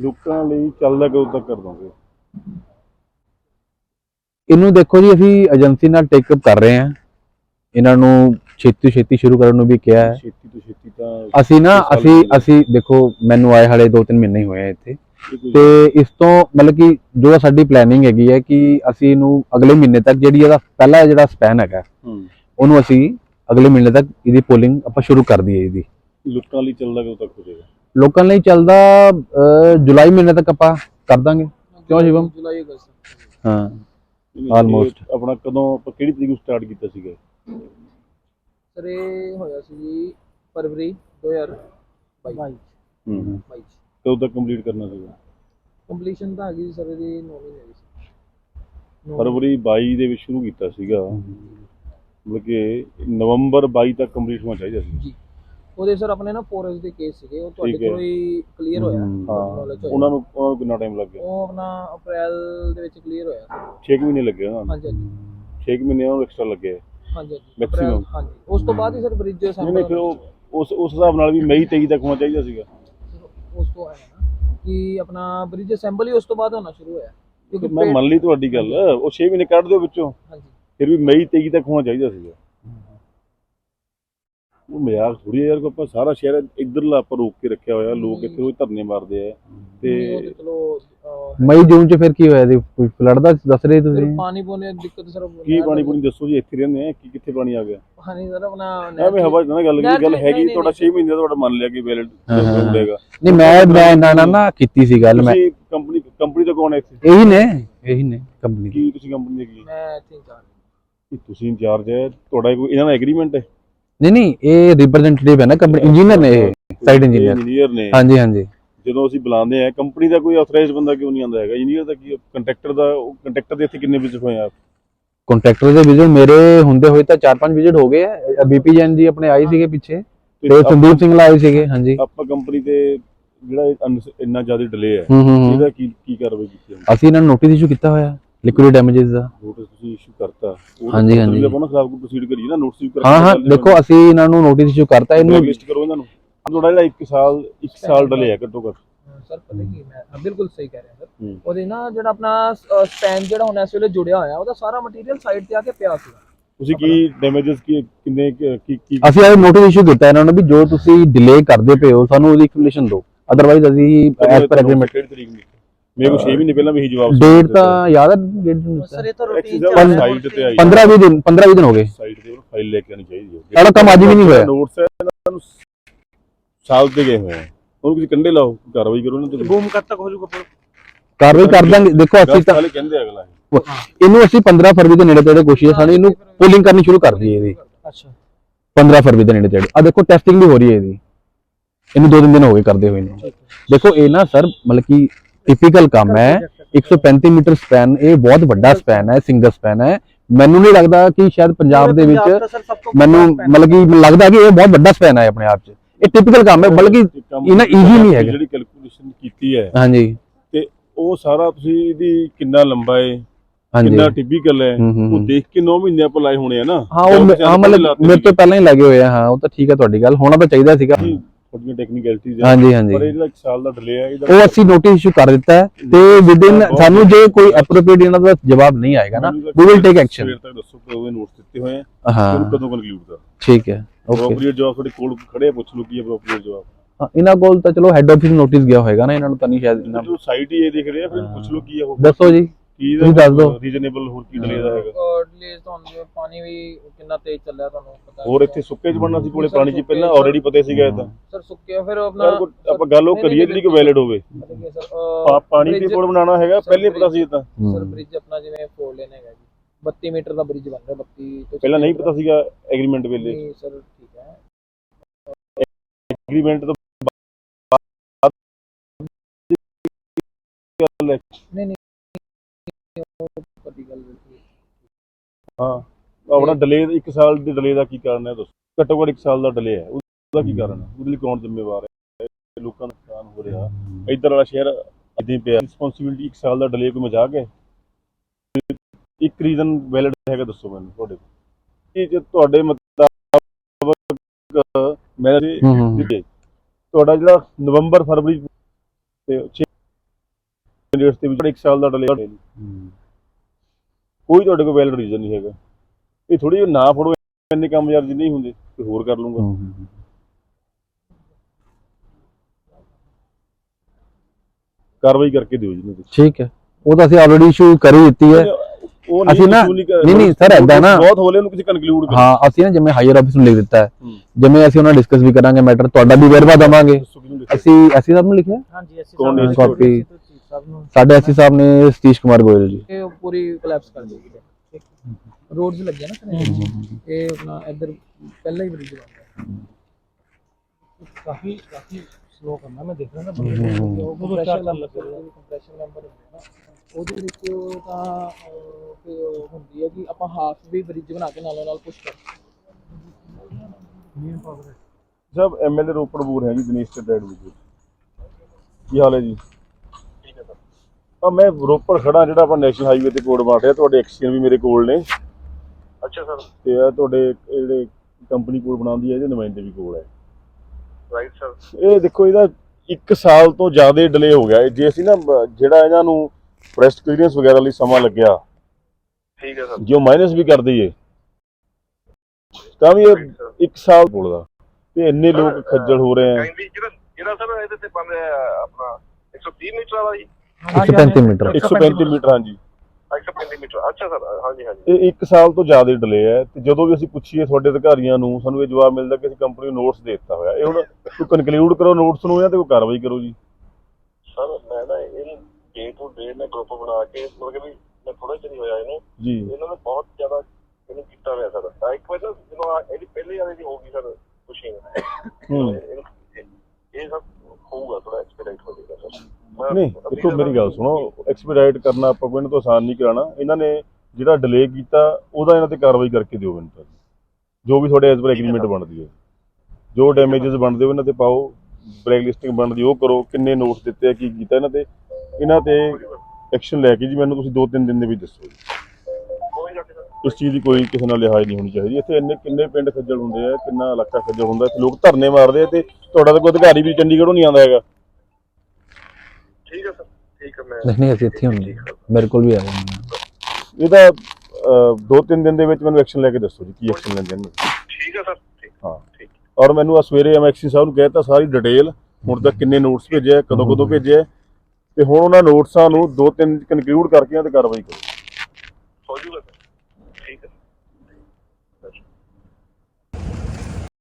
ਲੋਕਾਂ ਲਈ ਚੱਲਦਾ ਕਦੋਂ ਤੱਕ ਕਰ ਦੋਗੇ? ਇਹਨੂੰ ਦੇਖੋ ਜੀ, ਅਸੀਂ ਏਜੰਸੀ ਨਾਲ ਟੇਕਅਪ ਕਰ ਰਹੇ ਹਾਂ। ਇਹਨਾਂ ਨੂੰ ਛੇਤੀ ਛੇਤੀ ਸ਼ੁਰੂ ਕਰਨ ਨੂੰ ਵੀ ਕਿਹਾ ਹੈ। ਛੇਤੀ ਤੋਂ ਛੇਤੀ ਤਾਂ ਅਸੀਂ ਦੇਖੋ, ਮੈਨੂੰ ਆਏ ਹਾਲੇ 2-3 ਮਹੀਨੇ ਹੀ ਹੋਏ ਆ ਇੱਥੇ, ਤੇ ਇਸ ਤੋਂ ਮਤਲਬ ਕਿ ਜੋ ਸਾਡੀ ਪਲੈਨਿੰਗ ਹੈਗੀ ਹੈ ਕਿ ਅਸੀਂ ਇਹਨੂੰ ਅਗਲੇ ਮਹੀਨੇ ਤੱਕ ਜਿਹੜੀ ਇਹਦਾ ਪਹਿਲਾ ਜਿਹੜਾ ਸਪੈਨ ਹੈਗਾ ਉਹਨੂੰ ਅਸੀਂ ਅਗਲੇ ਮਹੀਨੇ ਤੱਕ ਇਹਦੀ ਪੋਲਿੰਗ ਆਪਾਂ ਸ਼ੁਰੂ ਕਰ ਦਈਏ। ਇਹਦੀ ਲੋਕਾਂ ਲਈ ਚੱਲਦਾ ਕਦੋਂ ਤੱਕ ਹੋ ਜਾਏਗਾ? ਲੋਕਾਂ ਲਈ ਚੱਲਦਾ ਜੁਲਾਈ ਮਹੀਨੇ ਤੱਕ ਆਪਾਂ ਕਰ ਦਾਂਗੇ। ਕਿਉਂ ਸ਼ਿਵਮ? ਜੁਲਾਈ ਅਗਸਤ। ਹਾਂ, ਆਲਮੋਸਟ। ਆਪਣਾ ਕਦੋਂ ਆਪਾਂ ਕਿਹੜੀ ਤਰੀਕ ਨੂੰ ਸਟਾਰਟ ਕੀਤਾ ਸੀਗਾ? ਸਰ ਇਹ ਹੋਇਆ ਸੀ ਜੀ ਫਰਵਰੀ 2022 ਕਦੋਂ ਤੱਕ ਕੰਪਲੀਟ ਕਰਨਾ ਸੀਗਾ? ਕੰਪਲੀਸ਼ਨ ਤਾਂ ਆ ਗਈ ਸਰ ਇਹਦੀ 9 ਮਹੀਨੇ ਦੀ ਸੀ। ਫਰਵਰੀ 22 ਦੇ ਵਿੱਚ ਸ਼ੁਰੂ ਕੀਤਾ ਸੀਗਾ, ਮਤਲਬ ਕਿ ਨਵੰਬਰ 22 ਤੱਕ ਕੰਪਲੀਟ ਹੋਣਾ ਚਾਹੀਦਾ ਸੀ ਜੀ। ਉਹਦੇ ਸਰ ਆਪਣੇ ਨਾ ਫੋਰੈਸਟ ਦੇ ਕੇਸ ਸੀਗੇ, ਉਹ ਤੁਹਾਡੇ ਕੋਲੋਂ ਹੀ ਕਲੀਅਰ ਹੋਇਆ। ਉਹਨਾਂ ਨੂੰ ਕਿੰਨਾ ਟਾਈਮ ਲੱਗ ਗਿਆ? ਉਹ ਆਪਣਾ ਅਪ੍ਰੈਲ ਦੇ ਵਿੱਚ ਕਲੀਅਰ ਹੋਇਆ। 6 ਮਹੀਨੇ ਲੱਗੇ ਉਹਨਾਂ ਨੂੰ। ਹਾਂਜੀ ਹਾਂਜੀ 6 ਮਹੀਨੇ ਉਹਨਾਂ ਨੂੰ ਐਕਸਟਰਾ ਲੱਗੇ। ਹਾਂਜੀ ਮੈਕਸਿਮਮ। ਹਾਂਜੀ, ਉਸ ਤੋਂ ਬਾਅਦ ਹੀ ਸਰ ਬ੍ਰਿਜ ਨਹੀਂ, ਫਿਰ ਉਹ ਉਸ ਹਿਸਾਬ ਨਾਲ ਵੀ ਮਈ 23 ਤੱਕ ਹੋਣਾ ਚਾਹੀਦਾ ਸੀਗਾ। ਉਸ ਤੋਂ ਹੈ ਨਾ ਕਿ ਆਪਣਾ ਬ੍ਰਿਜ ਅਸੈਂਬਲ ਹੀ ਉਸ ਤੋਂ ਬਾਅਦ ਹੋਣਾ ਸ਼ੁਰੂ ਹੋਇਆ, ਕਿਉਂਕਿ ਮੈਂ ਮੰਨ ਲਈ ਤੁਹਾਡੀ ਗੱਲ। ਉਹ 6 ਮਹੀਨੇ ਕੱਢ ਦਿਓ ਵਿੱਚੋਂ, ਹਾਂਜੀ ਫਿਰ ਵੀ ਮਈ 23 ਤੱਕ ਹੋਣਾ ਚਾਹੀਦਾ ਸੀਗਾ। ਉਹ ਮਜ਼ਾਕ ਥੋੜੀ ਯਾਰ, ਕੋ ਆਪਾਂ ਸਾਰਾ ਸ਼ਹਿਰ ਇੱਧਰਲਾ ਆਪਾਂ ਰੋਕ ਕੇ ਰੱਖਿਆ ਹੋਇਆ, ਲੋਕ ਇੱਥੇ ਉਹ ਧਰਨੇ ਮਾਰਦੇ ਆ। ਤੇ ਚਲੋ ਮਈ ਜੂਨ ਚ ਫਿਰ ਕੀ ਹੋਇਆ ਸੀ? ਫਲੱਡ ਦਾ ਦੱਸ ਰਹੇ ਤੁਸੀਂ? ਪਾਣੀ ਪੂਣੀ ਦਿੱਕਤ ਸਰ। ਕੀ ਪਾਣੀ ਪੂਣੀ ਦੱਸੋ ਜੀ, ਇੱਥੇ ਰਹਿੰਦੇ ਆ ਕਿੱਥੇ ਪਾਣੀ ਆ ਗਿਆ? ਪਾਣੀ ਸਰ ਆਪਣਾ ਐਵੇਂ ਹਵਾ ਚ ਨਾ ਗੱਲ ਹੈਗੀ। ਤੁਹਾਡਾ 6 ਮਹੀਨੇ ਦਾ ਤੁਹਾਡਾ ਮੰਨ ਲਿਆ ਕਿ ਵੈਲਿਡ ਹੋਵੇਗਾ। ਨਹੀਂ, ਮੈਂ ਨਾ ਕੀਤੀ ਸੀ ਗੱਲ। ਮੈਂ ਕੰਪਨੀ ਤੋਂ ਕੌਣ ਹੈ ਇੱਥੇ? ਇਹੀ ਨੇ ਕੰਪਨੀ। ਕੀ ਤੁਸੀਂ ਕੰਪਨੀ ਦੇ ਕੀ? ਮੈਂ ਇੱਥੇ ਇੰਚਾਰਜ। ਤੁਸੀਂ ਇੰਚਾਰਜ ਹੈ, ਤੁਹਾਡਾ ਕੋਈ ਇਹਨਾਂ ਨਾਲ ਐਗਰੀਮੈਂਟ ਹੈ? ਨਹੀਂ, ਇਹ ਰਿਪਰੈਜ਼ੈਂਟੇਟਿਵ ਹੈ ਨਾ ਕੰਪਨੀ, ਇੰਜੀਨੀਅਰ ਨੇ, ਇਹ ਸਾਈਡ ਇੰਜੀਨੀਅਰ ਨੇ। ਹਾਂਜੀ। ਜਦੋਂ ਅਸੀਂ ਬੁਲਾਉਂਦੇ ਆ ਕੰਪਨੀ ਦਾ ਕੋਈ ਆਥੋਰਾਈਜ਼ਡ ਬੰਦਾ ਕਿਉਂ ਨਹੀਂ ਆਉਂਦਾ ਹੈਗਾ? ਇੰਜੀਨੀਅਰ ਦਾ ਕੀ? ਕੰਟਰੈਕਟਰ ਦੇ ਇੱਥੇ ਕਿੰਨੇ ਵਿਜ਼ਿਟ ਹੋਏ ਆ? ਕੰਟਰੈਕਟਰ ਦੇ ਵਿਜ਼ਿਟ ਮੇਰੇ ਹੁੰਦੇ ਹੋਏ ਤਾਂ 4-5 ਵਿਜ਼ਿਟ ਹੋ ਗਏ ਆ। ਬੀਪੀ ਜੈਨ ਜੀ ਆਪਣੇ ਆਏ ਸੀਗੇ ਪਿੱਛੇ, ਤੇ ਸੰਦੀਪ ਸਿੰਘ ਆਏ ਸੀਗੇ। ਹਾਂਜੀ, ਆਪਾਂ ਕੰਪਨੀ ਤੇ ਜਿਹੜਾ ਇੰਨਾ ਜ਼ਿਆਦਾ ਡਿਲੇ ਹੈ, ਇਹਦਾ ਕੀ ਕਾਰਵਾਈ ਕੀਤੀ? ਅਸੀਂ ਇਹਨਾਂ ਨੂੰ ਨੋਟਿਸ ਇਸ਼ੂ ਕੀਤਾ ਹੋਇਆ, ਲਿਕੁਇਡ ਡੈਮੇजेस ਦਾ ਨੋਟਿਸ ਤੁਸੀਂ ਇਸ਼ੂ ਕਰਤਾ? ਹਾਂਜੀ ਆਪਾਂ ਨਾ ਖਿਲਾਫ ਕੋਈ ਪ੍ਰੋਸੀਡ ਕਰੀਏ ਨਾ, ਨੋਟਿਸ ਇਸ਼ੂ ਹਾਂ, ਦੇਖੋ ਅਸੀਂ ਇਹਨਾਂ ਨੂੰ ਨੋਟਿਸ ਇਸ਼ੂ ਕਰਤਾ। ਇਹਨੂੰ ਲਿਸਟ ਕਰੋ ਇਹਨਾਂ ਨੂੰ। ਥੋੜਾ ਜਿਹੜਾ 1 ਸਾਲ ਡਿਲੇ ਹੈ ਘੱਟੋ ਘੱਟ ਸਰ। ਪਤਾ ਕੀ, ਮੈਂ ਬਿਲਕੁਲ ਸਹੀ ਕਹਿ ਰਿਹਾ ਸਰ। ਉਹਦੇ ਨਾ ਜਿਹੜਾ ਆਪਣਾ ਸਪੈਨ ਜਿਹੜਾ ਹੁਣ ਇਸ ਵੇਲੇ ਜੁੜਿਆ ਹੋਇਆ, ਉਹਦਾ ਸਾਰਾ ਮਟੀਰੀਅਲ ਸਾਈਡ ਤੇ ਆ ਕੇ ਪਿਆ ਸੀ। ਤੁਸੀਂ ਕੀ ਡੈਮੇजेस ਕਿੰਨੇ ਕੀ ਅਸੀਂ ਇਹ ਨੋਟਿਸ ਇਸ਼ੂ ਕੀਤਾ ਇਹਨਾਂ ਨੂੰ ਵੀ ਜੋ ਤੁਸੀਂ ਡਿਲੇ ਕਰਦੇ ਪਏ ਹੋ ਸਾਨੂੰ ਉਹਦੀ ਐਕਸਪਲੇਨੇਸ਼ਨ ਦਿਓ, ਅਦਰਵਾਈਜ਼ ਅਸੀਂ ਐਸ ਪਰ ਐਗਰੀਮੈਂਟ। ਕਿਹੜੀ ਤਰੀਕ ਨੂੰ? ਮੇਰੇ ਕੋਲ 6 ਮਹੀਨੇ ਪਹਿਲਾਂ ਵੀ ਇਹੀ ਜਵਾਬ ਸੀ। ਡੇਟ ਤਾਂ ਯਾਦ ਹੈ? ਸਰ ਇਹ ਤਾਂ ਰੂਟੀਨ ਸਾਈਟ ਤੇ ਆਈ 15-20 ਦਿਨ ਹੋ ਗਏ। ਸਾਈਟ ਤੇ ਫਾਈਲ ਲੈ ਕੇ ਆਣੀ ਚਾਹੀਦੀ ਹੈ। ਸਾਡਾ ਕੰਮ ਅੱਜ ਵੀ ਨਹੀਂ ਹੋਇਆ। ਨੋਟਸ ਹੈ ਇਹਨਾਂ ਨੂੰ ਸਾਲ ਤੇ ਗਏ ਹੋਏ ਆ, ਉਹਨੂੰ ਤੁਸੀਂ ਕੰਡੇ ਲਾਓ, ਕਾਰਵਾਈ ਕਰੋ ਨਾ। ਤੁਸੀਂ ਬੂਮ ਕਦ ਤੱਕ ਹੋ ਜਾਊਗਾ? ਕਾਰਵਾਈ ਕਰ ਦਾਂਗੇ। ਦੇਖੋ ਅਸੀਂ ਤਾਂ ਕਹਿੰਦੇ ਅਗਲਾ ਇਹਨੂੰ ਅਸੀਂ 15 ਫਰਵਰੀ ਦੇ ਨੇੜੇ ਤੇੜੇ ਕੋਸ਼ਿਸ਼ ਸਾਡੀ ਇਹਨੂੰ ਪੋਲਿੰਗ ਕਰਨੀ ਸ਼ੁਰੂ ਕਰ ਦਈਏ ਇਹਦੀ। ਅੱਛਾ, 15 ਫਰਵਰੀ ਦੇ ਨੇੜੇ ਤੇੜੇ। ਆ ਦੇਖੋ ਟੈਸਟਿੰਗ ਵੀ ਹੋ ਰਹੀ ਹੈ ਇਹਦੀ, ਇਹਨੂੰ 2 ਦਿਨ ਹੋ ਗਏ ਕਰਦੇ ਹੋਏ ਨੂੰ। ਦੇਖੋ ਇਹ ਨਾ ਸਰ ਮਤਲਬ ਕਿ ਟਿਪੀਕਲ ਕੰਮ ਹੈ। 135 ਮੀਟਰ ਸਪੈਨ, ਇਹ ਬਹੁਤ ਵੱਡਾ ਸਪੈਨ ਹੈ, ਸਿੰਗਲ ਸਪੈਨ ਹੈ। ਮੈਨੂੰ ਨਹੀਂ ਲੱਗਦਾ ਕਿ ਸ਼ਾਇਦ ਪੰਜਾਬ ਦੇ ਵਿੱਚ, ਮੈਨੂੰ ਮਤਲਬ ਕਿ ਲੱਗਦਾ ਕਿ ਇਹ ਬਹੁਤ ਵੱਡਾ ਸਪੈਨ ਹੈ ਆਪਣੇ ਆਪ 'ਚ। ਇਹ ਟਿਪੀਕਲ ਕੰਮ ਹੈ, ਬਲਕਿ ਇਹਨਾਂ ਈਜ਼ੀ ਨਹੀਂ ਹੈਗਾ। ਜਿਹੜੀ ਕੈਲਕੂਲੇਸ਼ਨ ਕੀਤੀ ਹੈ ਹਾਂਜੀ, ਤੇ ਉਹ ਸਾਰਾ ਤੁਸੀਂ ਇਹਦੀ ਕਿੰਨਾ ਲੰਬਾ ਹੈ, ਕਿੰਨਾ ਟਿਪੀਕਲ ਹੈ, ਉਹ ਦੇਖ ਕੇ 9 ਮਹੀਨੇ ਆਪਾਂ ਲਾਏ ਹੋਣੇ ਆ ਨਾ। ਹਾਂ, ਉਹ ਮਤਲਬ ਮੇਰੇ ਤੋਂ ਪਹਿਲਾਂ ਹੀ ਲੱਗੇ ਹੋਏ ਆ। ਹਾਂ, ਉਹ ਤਾਂ ਠੀਕ ਹੈ, ਤੁਹਾਡੀ ਗੱਲ ਹੋਣਾ ਤਾਂ ਚਾਹੀਦਾ ਸੀਗਾ। ਥੋੜੀਆਂ ਟੈਕਨੀਕੈਲਿਟੀਜ਼ ਹੈ। ਹਾਂਜੀ। ਪਰ ਇਹਦਾ 1 ਸਾਲ ਦਾ ਡਿਲੇ ਹੈ, ਉਹ ਅਸੀਂ ਨੋਟਿਸ ਇਸ਼ੂ ਕਰ ਦਿੱਤਾ ਹੈ, ਤੇ ਵਿਦਿਨ ਸਾਨੂੰ ਜੇ ਕੋਈ ਐਪਰੋਪ੍ਰੀਏਟ ਇਹਨਾਂ ਦਾ ਜਵਾਬ ਨਹੀਂ ਆਏਗਾ ਨਾ, ਵੀ ਵਿਲ ਟੇਕ ਐਕਸ਼ਨ। ਸਵੇਰ ਤੱਕ ਦੱਸੋ ਕਿ ਉਹਦੇ ਨੋਟਸ ਦਿੱਤੇ ਹੋਏ ਆ, ਉਹਨੂੰ ਕਦੋਂ ਕਨਕਲੂਡ ਕਰ? ਠੀਕ ਹੈ, ਓਕੇ। ਐਪਰੋਪ੍ਰੀਏਟ ਜਵਾਬ ਤੁਹਾਡੇ ਕੋਲ ਖੜੇ ਆ, ਪੁੱਛ ਲਓ ਕੀ ਐਪਰੋਪ੍ਰੀਏਟ ਜਵਾਬ। ਹਾਂ, ਇਹਨਾਂ ਕੋਲ ਤਾਂ ਚਲੋ ਹੈੱਡ ਆਫਿਸ ਨੋਟਿਸ ਗਿਆ ਹੋਏਗਾ ਨਾ, ਇਹਨਾਂ ਨੂੰ ਤਾਂ ਨਹੀਂ ਸ਼ਾਇਦ। ਸਾਈਟ ਹੀ ਇਹ ਦੇਖ ਰਹੇ ਆ, ਫਿਰ ਪੁੱਛ ਲਓ ਕੀ ਹੈ ਉਹ। ਦੱਸੋ ਜੀ, ਕੀ ਤੁਸੀਂ ਦੱਸ ਦਿਓ। ਰੀਜ਼ਨੇਬਲ ਹੋਰ ਕੀ ਡਿਲੇ ਦਾ ਹੈਗਾ? ਡਿਲੇ ਤੁਹਾਨੂੰ ਜਿਵੇਂ ਪਾਣੀ ਵੀ ਕਿੰਨਾ ਤੇਜ਼ ਚੱਲਿਆ ਤੁਹਾਨੂੰ ਪਤਾ। ਹੋਰ ਇੱਥੇ ਸੁੱਕੇ ਚ ਬਣਨਾ ਸੀ ਕੋਲੇ ਪਾਣੀ ਚ, ਪਹਿਲਾਂ ਆਲਰੇਡੀ ਪਤਾ ਸੀਗਾ ਇਹ ਤਾਂ। ਸਰ ਸੁੱਕਿਆ ਫਿਰ ਆਪਣਾ ਆਪਾਂ ਗੱਲ ਉਹ ਕਰੀਏ ਜਿਹੜੀ ਕੋਈ ਵੈਲਿਡ ਹੋਵੇ। ਪਾਣੀ ਦੇ ਕੋਲ ਬਣਾਉਣਾ ਹੈਗਾ, ਪਹਿਲੇ ਪਤਾ ਸੀ ਇਹ ਤਾਂ। ਸਰ ਬ੍ਰਿਜ ਆਪਣਾ ਜਿਵੇਂ 4 ਲੇਨ ਹੈਗਾ ਜੀ, 32 ਮੀਟਰ ਦਾ ਬ੍ਰਿਜ ਬਣ ਰਿਹਾ। 32 ਤੋਂ ਪਹਿਲਾਂ ਨਹੀਂ ਪਤਾ ਸੀਗਾ ਐਗਰੀਮੈਂਟ ਵੇਲੇ? ਨਹੀਂ ਸਰ, ਠੀਕ ਹੈ। ਐਗਰੀਮੈਂਟ ਤੋਂ ਨਹੀਂ ਵੱਡੀ ਗੱਲ ਨਹੀਂ। ਹਾਂ, ਆਪਣਾ ਡਿਲੇ 1 ਸਾਲ ਦੇ ਡਿਲੇ ਦਾ ਕੀ ਕਾਰਨ ਹੈ ਦੱਸੋ? ਘੱਟੋ ਘੱਟ 1 ਸਾਲ ਦਾ ਡਿਲੇ ਹੈ, ਉਹਦਾ ਕੀ ਕਾਰਨ ਹੈ? ਉਹਦੇ ਲਈ ਕੌਣ ਜ਼ਿੰਮੇਵਾਰ ਹੈ? ਲੋਕਾਂ ਦਾ ਨੁਕਸਾਨ ਹੋ ਰਿਹਾ, ਇੱਧਰ ਵਾਲਾ ਸ਼ਹਿਰ ਇੱਦਾਂ ਪਿਆ। ਰਿਸਪੌਂਸਿਬਿਲਿਟੀ 1 ਸਾਲ ਦਾ ਡਿਲੇ ਕੋਈ ਮਜ਼ਾਕ ਹੈ? ਇੱਕ ਰੀਜ਼ਨ ਵੈਲਿਡ ਹੈਗਾ ਦੱਸੋ ਮੈਨੂੰ ਤੁਹਾਡੇ ਕੋਲ? ਜੇ ਤੁਹਾਡੇ ਮੁਤਾਬਕ ਮੈਂ ਤੁਹਾਡਾ ਜਿਹੜਾ ਨਵੰਬਰ ਫਰਵਰੀ ਤੇ ਡੇਟਸ ਤੇ ਵੀ 1 ਸਾਲ ਦਾ ਡਿਲੇ ਕੋਈ ਤੁਹਾਡੇ ਕੋਲ ਵੈਲਿਡ ਰੀਜ਼ਨ ਨਹੀਂ ਹੈਗਾ। ਇਹ ਥੋੜੀ ਨਾ ਫੜੋ ਇੰਨੇ ਕੰਮ ਯਾਰ ਜੇ ਨਹੀਂ ਹੁੰਦੇ ਤੇ ਹੋਰ ਕਰ ਲੂੰਗਾ। ਕਾਰਵਾਈ ਕਰਕੇ ਦਿਓ ਜੀ। ਠੀਕ ਹੈ, ਉਹ ਤਾਂ ਅਸੀਂ ਆਲਰੇਡੀ ਇਸ਼ੂ ਕਰ ਹੀ ਦਿੱਤੀ ਹੈ। ਉਹ ਅਸੀਂ ਨਾ ਨਹੀਂ ਸਰ ਏਦਾਂ ਨਾ ਬਹੁਤ ਹੋਲੇ ਉਹਨੂੰ ਤੁਸੀਂ ਕਨਕਲੂਡ ਕਰੋ। ਹਾਂ ਅਸੀਂ ਨਾ ਜਿਵੇਂ ਹਾਇਰ ਆਫਿਸ ਨੂੰ ਲਿਖ ਦਿੱਤਾ ਹੈ, ਜਿਵੇਂ ਅਸੀਂ ਉਹਨਾਂ ਨਾਲ ਡਿਸਕਸ ਵੀ ਕਰਾਂਗੇ ਮੈਟਰ, ਤੁਹਾਡਾ ਵੀ ਵੇਰਵਾ ਦੇਵਾਂਗੇ। ਅਸੀਂ ਸਭ ਨੂੰ ਲਿਖਿਆ ਹਾਂਜੀ ਐਸਸੀ ਕੌਣ ਨੇ ਕਾਪੀ ਸਾਹਿਬ ਨੂੰ ਸਾਡੇ ਐਸਸੀ ਸਾਹਿਬ ਨੇ ਸਤੀਸ਼ ਕੁਮਾਰ ਗੋਇਲ ਜੀ। ਇਹ ਪੂਰੀ ਕੋਲੈਪਸ ਕਰ ਦੇਗੀ। ਰੋਡਸ ਲੱਗੇ ਨਾ ਸਰ ਇਹ ਆਪਣਾ ਇੱਧਰ ਪਹਿਲਾਂ ਹੀ ਬ੍ਰਿਜ ਬਣ ਗਿਆ। ਕਾਫੀ स्लो करना मैं देख रहा ना कंप्रेशन नंबर ਉਹਦੇ ਵਿੱਚ ਤਾਂ ਹੁੰਦੀ ਹੈ ਕਿ ਆਪਾਂ ਹਾਫ ਵੀ ਬ੍ਰਿਜ ਬਣਾ ਕੇ ਨਾਲੋਂ ਨਾਲ ਪੁਸ਼ ਕਰ ਸਭ ਐਮਐਲਏ ਰੋਪੜ ਬੂਰ ਹੈ ਜੀ ਦਿਨੇਸ਼ ਚੰਦੈੜ ਜੀ। ਕੀ ਹਾਲ ਹੈ ਜੀ? ਠੀਕ ਹੈ ਸਰ। ਮੈਂ ਰੋਪੜ ਖੜਾ ਜਿਹੜਾ ਆਪਾਂ ਨੈਸ਼ਨਲ ਹਾਈਵੇ ਤੇ ਕੋਡ ਬਣ ਰਿਹਾ, ਤੁਹਾਡੇ ਐਕਸੀਅਨ ਵੀ ਮੇਰੇ ਕੋਲ ਨੇ। ਅੱਛਾ ਸਰ। ਤੇ ਆ ਤੁਹਾਡੇ ਜਿਹੜੇ ਕੰਪਨੀ ਕੋਲ ਬਣਾਉਂਦੀ ਹੈ ਇਹਦੇ ਨੁਮਾਇੰਦੇ ਵੀ ਕੋਲ ਹੈ। Right sir. ਇਹ ਦੇਖੋ ਇਹਦਾ 1 ਸਾਲ ਤੋਂ ਜ਼ਿਆਦਾ ਡਿਲੇ ਹੋ ਗਿਆ। ਜੇ ਅਸੀਂ ਨਾ ਜਿਹੜਾ ਇਹਨਾਂ ਨੂੰ ਪ੍ਰੈਸ ਕਲੀਅਰੈਂਸ ਵਗੈਰਾ ਲਈ ਸਮਾਂ ਲੱਗਿਆ, ਠੀਕ ਹੈ ਸਰ, ਜੋ ਮਾਈਨਸ ਵੀ ਕਰ ਦਈਏ ਤਾਂ ਵੀ ਇਹ 1 ਸਾਲ ਬੋਲਦਾ ਤੇ ਇੰਨੇ ਲੋਕ ਖੱਜਲ ਹੋ ਰਹੇ ਆ। ਜਿਹੜਾ ਸਰ ਇਹਦੇ ਤੇ ਬਣ ਰਿਹਾ ਆਪਣਾ 130 ਮੀਟਰ ਵਾਲਾ ਜੀ, 135 ਮੀਟਰ 135 ਮੀਟਰ ਹਾਂਜੀ 135 ਮੀਟਰ। ਅੱਛਾ ਸਰ, ਹਾਂਜੀ ਹਾਂਜੀ। ਇਹ 1 ਸਾਲ ਤੋਂ ਜ਼ਿਆਦਾ ਡਿਲੇ ਹੈ। ਤੇ ਜਦੋਂ ਵੀ ਅਸੀਂ ਪੁੱਛੀਏ ਤੁਹਾਡੇ ਅਧਿਕਾਰੀਆਂ ਨੂੰ, ਸਾਨੂੰ ਇਹ ਜਵਾਬ ਮਿਲਦਾ ਕਿ ਅਸੀਂ ਕੰਪਨੀ ਨੂੰ ਨੋਟਿਸ ਦੇ ਦਿੱਤਾ ਹੋਇਆ। ਇਹ ਹੁਣ ਕੋਈ ਕਨਕਲੂਡ ਕਰੋ ਨੋਟਿਸ ਨੂੰ, ਇਹਨਾਂ ਤੇ ਕੋਈ ਕਾਰਵਾਈ ਕਰੋ ਜੀ। ਸਰ ਮੈਂ ਨਾ ਇਹਨੂੰ ਡੇ ਟੂ ਡੇ ਮੈਂ ਗਰੁੱਪ ਬਣਾ ਕੇ ਮਤਲਬ ਕਿ ਵੀ ਮੈਂ ਥੋੜਾ ਚਿਰ ਹੀ ਹੋਇਆ ਇਹਨੂੰ ਜੀ, ਇਹਨਾਂ ਨੇ ਬਹੁਤ ਜ਼ਿਆਦਾ ਇਹਨੂੰ ਕੀਤਾ ਹੋਇਆ ਸਰ। ਇੱਕ ਵਾਰ ਨਾ ਜਦੋਂ ਇਹਦੀ ਪਹਿਲੀ ਵਾਰ ਦੀ ਹੋ ਗਈ ਸਰ ਖੁਸ਼ੀ ਇਹ ਸਭ ਹੋਊਗਾ, ਥੋੜਾ ਐਕਸਪੀਰੀਅੰਸ ਹੋ ਜਾਏਗਾ ਸਰ। ਨਹੀਂ ਦੇਖੋ ਮੇਰੀ ਗੱਲ ਸੁਣੋ, ਐਕਸਪੀਡਾਈਟ ਕਰਨਾ ਆਪਾਂ ਕੋਈ ਇਹਨਾਂ ਤੋਂ ਆਸਾਨ ਨਹੀਂ ਕਰਾਉਣਾ। ਇਹਨਾਂ ਨੇ ਜਿਹੜਾ ਡਿਲੇ ਕੀਤਾ ਉਹਦਾ ਇਹਨਾਂ ਤੇ ਕਾਰਵਾਈ ਕਰਕੇ ਦਿਓ ਮੈਨੂੰ ਤਾਂ, ਜੋ ਵੀ ਤੁਹਾਡੇ ਐਜ਼ ਪਰ ਐਗਰੀਮੈਂਟ ਬਣਦੀ ਹੈ। ਜੋ ਡੈਮੇਜਸ ਬਣਦੇ ਹੋ ਇਹਨਾਂ ਤੇ ਪਾਓ, ਬਲੈਕ ਲਿਸਟਿੰਗ ਬਣਦੀ ਉਹ ਕਰੋ, ਕਿੰਨੇ ਨੋਟਸ ਦਿੱਤੇ ਆ, ਕੀ ਕੀਤਾ ਇਹਨਾਂ ਤੇ ਐਕਸ਼ਨ ਲੈ ਕੇ ਜੀ ਮੈਨੂੰ ਤੁਸੀਂ 2-3 ਦਿਨ ਦੇ ਵਿੱਚ ਦੱਸੋ ਜੀ। ਇਸ ਚੀਜ਼ ਦੀ ਕੋਈ ਕਿਸੇ ਨਾਲ ਲਿਹਾਜ਼ ਨਹੀਂ ਹੋਣੀ ਚਾਹੀਦੀ। ਇੱਥੇ ਕਿੰਨੇ ਪਿੰਡ ਖੱਜਲ ਹੁੰਦੇ ਆ, ਕਿੰਨਾ ਇਲਾਕਾ ਖੱਜਲ ਹੁੰਦਾ। ਇੱਥੇ ਲੋਕ ਧਰਨੇ ਮਾਰਦੇ ਆ ਤੇ ਤੁਹਾਡਾ ਤਾਂ ਕੋਈ ਅਧਿਕਾਰੀ ਵੀ ਚੰਡੀਗੜ੍ਹੋਂ ਨਹੀਂ ਆਉਂਦਾ ਹੈਗਾ। ਠੀਕ ਹੈ ਸਰ, ਠੀਕ ਹੈ। ਨਹੀਂ ਅਸੀਂ ਇੱਥੇ ਹੁੰਦੇ, ਮੇਰੇ ਕੋਲ ਵੀ ਆ ਜਾਂਦੇ। ਇਹਦਾ 2-3 ਦਿਨ ਦੇ ਵਿੱਚ ਮੈਨੂੰ ਐਕਸ਼ਨ ਲੈ ਕੇ ਦੱਸੋ ਜੀ, ਕੀ ਐਕਸ਼ਨ ਲੈਂਦੇ ਨੇ। ਠੀਕ ਹੈ ਸਰ, ਠੀਕ। ਹਾਂ ਠੀਕ। ਔਰ ਮੈਨੂੰ ਆ ਸਵੇਰੇ ਐਮਐਕਸੀ ਸਾਹਿਬ ਨੂੰ ਕਹਿਤਾ ਸਾਰੀ ਡਿਟੇਲ, ਹੁਣ ਤੱਕ ਕਿੰਨੇ ਨੋਟਸ ਭੇਜਿਆ, ਕਦੋਂ ਭੇਜਿਆ, ਤੇ ਹੁਣ ਉਹਨਾਂ ਨੋਟਸਾਂ ਨੂੰ 2-3 ਕਨਕਲੂਡ ਕਰਕੇ ਇਹਨਾਂ ਤੇ ਕਾਰਵਾਈ ਕਰੋ। ਹੋ ਜੂਗਾ।